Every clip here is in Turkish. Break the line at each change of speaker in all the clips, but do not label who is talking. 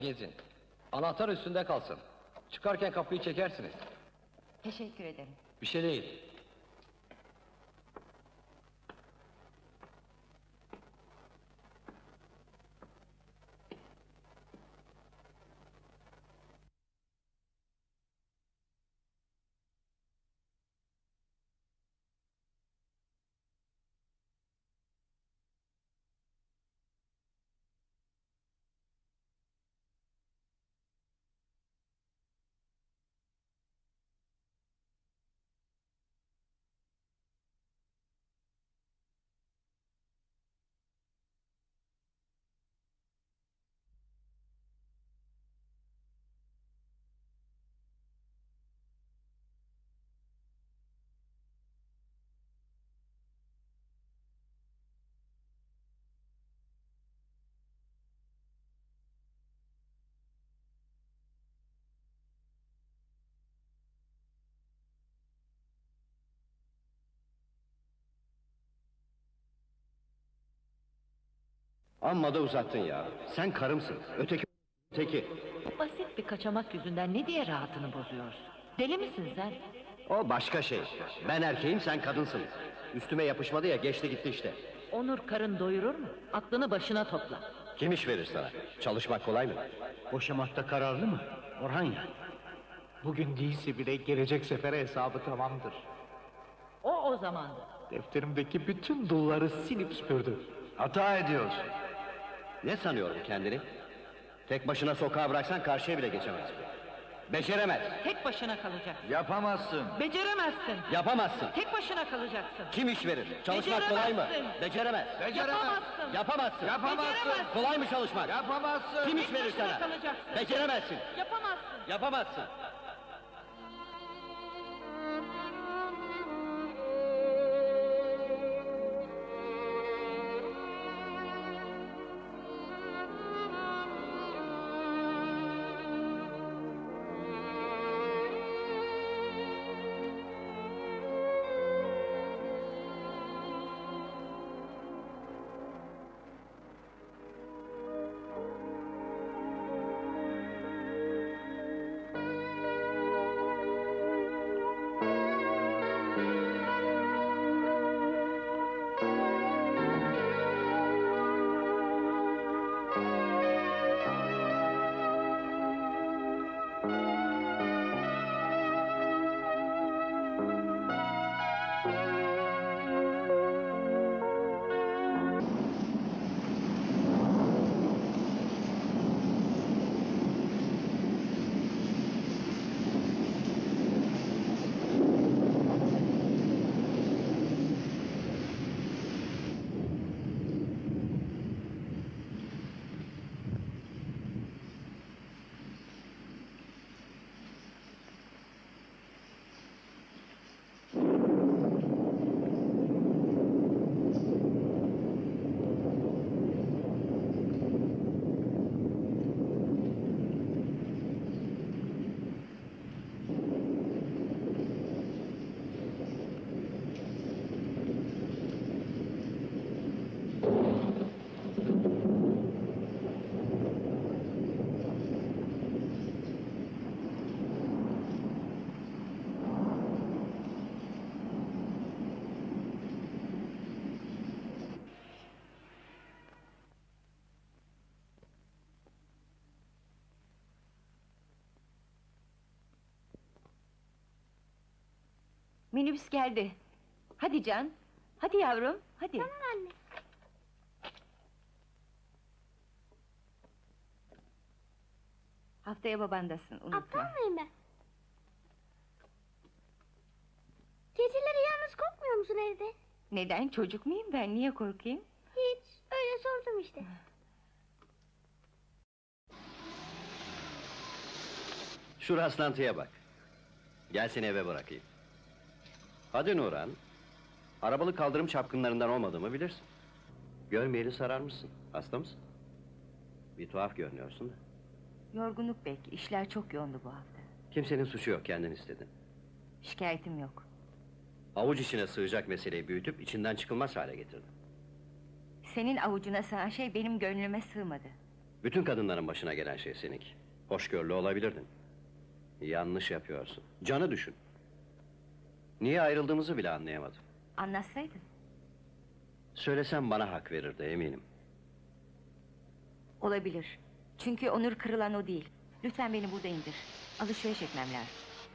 Gezin. Anahtar üstünde kalsın. Çıkarken kapıyı çekersiniz.
Teşekkür ederim.
Bir şey değil.
Amma da uzattın ya. Sen karımsın. Öteki.
Basit bir kaçamak yüzünden ne diye rahatını bozuyorsun? Deli misin sen?
O başka şey. Ben erkeğim, sen kadınsın. Üstüme yapışmadı ya, geçti gitti işte.
Onur karın doyurur mu? Aklını başına topla.
Kim iş verir sana? Çalışmak kolay mı?
Boşamakta kararlı mı? Orhan ya. Bugün değilse bile gelecek sefere hesabı tamamdır.
O zamandı.
Defterimdeki bütün dulları silip süpürdü.
Hata ediyorsun. Ne sanıyorum kendini? Tek başına sokağa bıraksan karşıya bile geçemez. Beceremez.
Tek başına kalacaksın.
Yapamazsın.
Beceremezsin.
Yapamazsın.
Tek başına kalacaksın.
Kim iş verir? Çalışmak kolay mı?
Beceremezsin.
Beceremez.
Yapamazsın.
Yapamazsın.
Beceremezsin.
Kolay mı çalışmak?
Yapamazsın.
Kim iş
Tek
verir
başına
sana?
kalacaksın.
Beceremezsin.
Yapamazsın.
Yapamazsın.
Minibüs geldi. Hadi Can. Hadi yavrum. Hadi.
Tamam anne.
Haftaya babandasın. Unutma.
Aptal mıyım ben? Geceleri yalnız korkmuyor musun evde?
Neden? Çocuk muyum ben? Niye korkayım?
Hiç. Öyle sordum işte.
Şu rastlantıya bak. Gel seni eve bırakayım. Hadi Nurhan. Arabalı kaldırım çapkınlarından olmadığımı bilirsin. Görmeyeli sararmışsın. Hasta mısın? Bir tuhaf görünüyorsun da.
Yorgunluk belki. İşler çok yoğundu bu hafta.
Kimsenin suçu yok, kendin istedin.
Şikayetim yok.
Avuç içine sığacak meseleyi büyütüp içinden çıkılmaz hale getirdin.
Senin avucuna sığan şey benim gönlüme sığmadı.
Bütün kadınların başına gelen şey seninki. Hoşgörülü olabilirdin. Yanlış yapıyorsun. Canı düşün. Niye ayrıldığımızı bile anlayamadım.
Anlatsaydın.
Söylesem bana hak verirdi eminim.
Olabilir. Çünkü onur kırılan o değil. Lütfen beni burada indir. Alışveriş etmem lazım.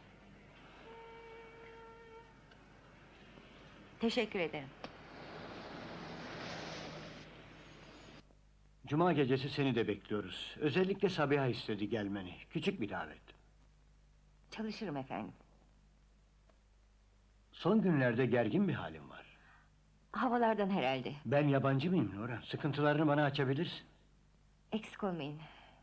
Teşekkür ederim.
Cuma gecesi seni de bekliyoruz. Özellikle Sabiha istedi gelmeni. Küçük bir davet.
Çalışırım efendim.
Son günlerde gergin bir halin var.
Havalardan herhalde.
Ben yabancı mıyım Nurhan? Sıkıntılarını bana açabilirsin.
Eksik olmayın.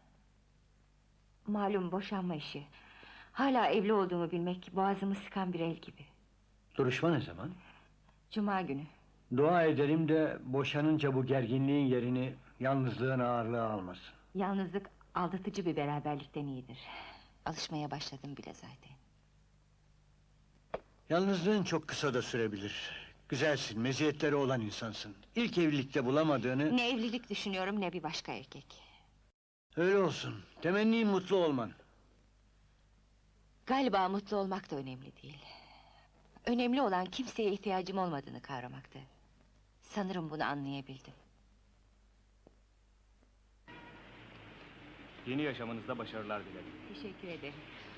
Malum boşanma işi. Hala evli olduğumu bilmek boğazımı sıkan bir el gibi.
Duruşma ne zaman?
Cuma günü.
Dua edelim de boşanınca bu gerginliğin yerini yalnızlığın ağırlığı almasın.
Yalnızlık aldatıcı bir beraberlikten iyidir. Alışmaya başladım bile zaten.
Yalnızlığın çok kısa da sürebilir. Güzelsin, meziyetleri olan insansın. İlk evlilikte bulamadığını...
Ne evlilik düşünüyorum ne bir başka erkek.
Öyle olsun. Temennim mutlu olman.
Galiba mutlu olmak da önemli değil. Önemli olan kimseye ihtiyacım olmadığını kavramaktı. Sanırım bunu anlayabildim.
Yeni yaşamınızda başarılar dilerim.
Teşekkür ederim.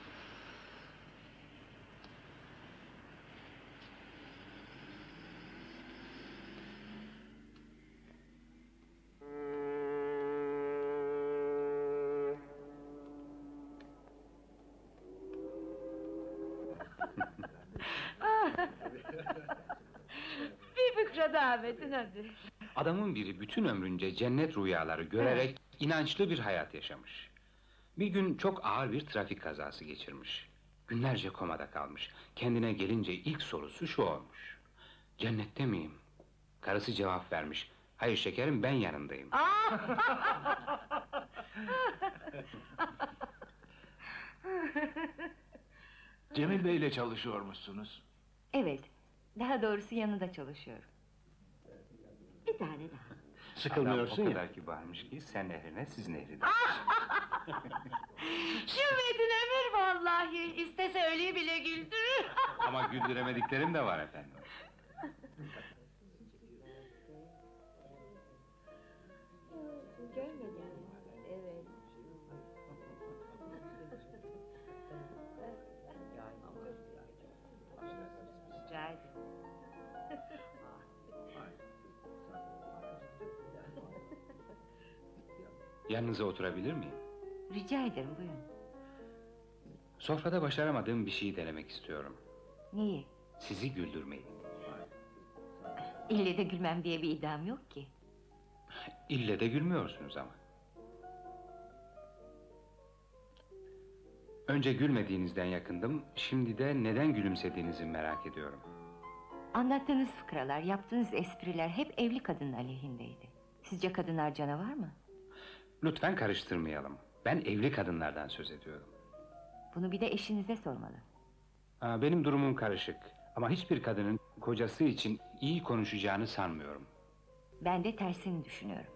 Bir fıkra daha Metin hadi.
Adamın biri bütün ömrünce cennet rüyaları görerek inançlı bir hayat yaşamış. Bir gün çok ağır bir trafik kazası geçirmiş. Günlerce komada kalmış. Kendine gelince ilk sorusu şu olmuş: cennette miyim? Karısı cevap vermiş: hayır şekerim, ben yanındayım.
Cemil Bey ile çalışıyormuşsunuz.
Evet, daha doğrusu yanında çalışıyorum.
Bir tane daha.
Sıkılmıyorsun
Adam o
ya.
kadar kibarmış ki sen nehrine siz nehrine.
Şu Metin ömür vallahi. İstese ölüyü bile güldürür.
Ama güldüremediklerim de var efendim.
Rica ederim.
Yanınıza oturabilir miyim?
Rica ederim, buyurun.
Sofrada başaramadığım bir şeyi denemek istiyorum.
Neyi?
Sizi güldürmeyi.
İlle de gülmem diye bir iddiam yok ki.
İlle de gülmüyorsunuz ama. Önce gülmediğinizden yakındım, şimdi de neden gülümsediğinizi merak ediyorum.
Anlattığınız fıkralar, yaptığınız espriler hep evli kadının aleyhindeydi. Sizce kadınlar canavar mı?
Lütfen karıştırmayalım. Ben evli kadınlardan söz ediyorum.
Bunu bir de eşinize sormalı.
Benim durumum karışık. Ama hiçbir kadının kocası için iyi konuşacağını sanmıyorum.
Ben de tersini düşünüyorum.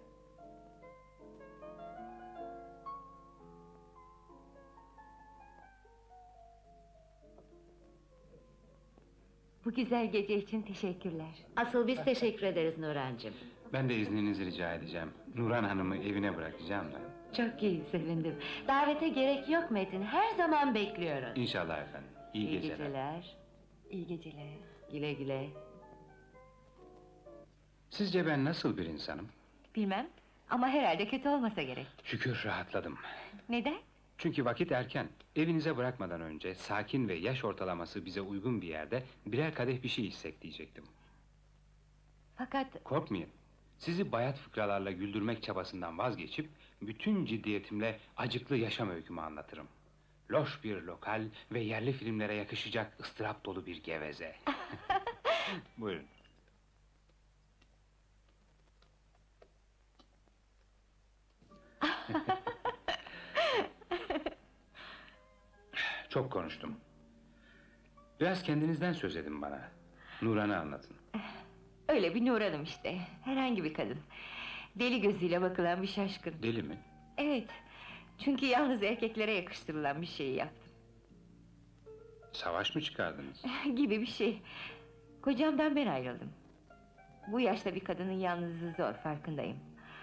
Bu güzel gece için teşekkürler.
Asıl biz teşekkür ederiz Nurhancığım.
Ben de izninizi rica edeceğim. Nurhan Hanım'ı evine bırakacağım da.
Çok iyi, sevindim. Davete gerek yok Metin, her zaman bekliyoruz.
İnşallah efendim. İyi geceler.
geceler.
İyi geceler.
Güle güle.
Sizce ben nasıl bir insanım?
Bilmem ama herhalde kötü olmasa gerek.
Şükür rahatladım.
Neden?
Çünkü vakit erken. Evinize bırakmadan önce sakin ve yaş ortalaması bize uygun bir yerde birer kadeh bir şey içsek diyecektim.
Fakat
Korkmayın. Sizi bayat fıkralarla güldürmek çabasından vazgeçip bütün ciddiyetimle acıklı yaşam öykümü anlatırım. Loş bir lokal ve yerli filmlere yakışacak ıstırap dolu bir geveze. Buyurun. Çok konuştum. Biraz kendinizden söz edin bana. Nurhan'ı anlatın.
öyle bir Nur Hanım işte. Herhangi bir kadın. Deli gözüyle bakılan bir şaşkın.
Deli mi?
Evet, çünkü yalnız erkeklere yakıştırılan bir şeyi yaptım.
Savaş mı çıkardınız?
Gibi bir şey. Kocamdan ben ayrıldım. Bu yaşta bir kadının yalnızlığı zor, farkındayım.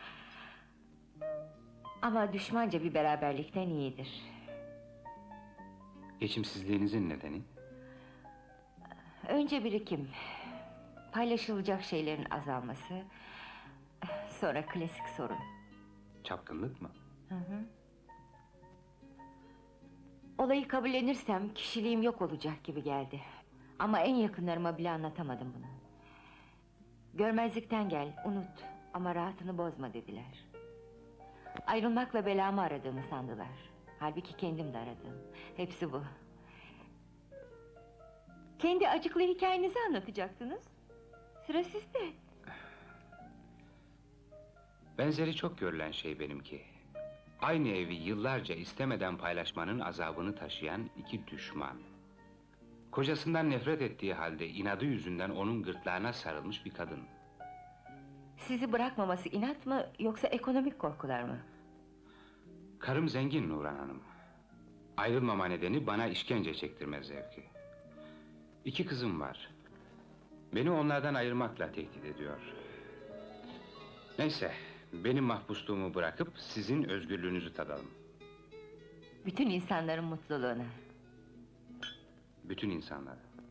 Ama düşmanca bir beraberlikten iyidir.
Geçimsizliğinizin nedeni?
Önce birikim, paylaşılacak şeylerin azalması, sonra klasik sorun.
Çapkınlık mı?
Hı hı. Olayı kabullenirsem kişiliğim yok olacak gibi geldi. Ama en yakınlarıma bile anlatamadım bunu. Görmezlikten gel, unut ama rahatını bozma dediler. Ayrılmakla belamı aradığımı sandılar. Halbuki kendim de aradım. Hepsi bu. Kendi acıklı hikayenizi anlatacaktınız. Sıra sizde.
Benzeri çok görülen şey benimki. Aynı evi yıllarca istemeden paylaşmanın azabını taşıyan iki düşman. Kocasından nefret ettiği halde inadı yüzünden onun gırtlağına sarılmış bir kadın.
Sizi bırakmaması inat mı yoksa ekonomik korkular mı?
Karım zengin Nurhan Hanım. Ayrılmama nedeni bana işkence çektirme zevki. İki kızım var. Beni onlardan ayırmakla tehdit ediyor. Neyse, benim mahpusluğumu bırakıp sizin özgürlüğünüzü tadalım.
Bütün insanların mutluluğuna.
Bütün insanlar.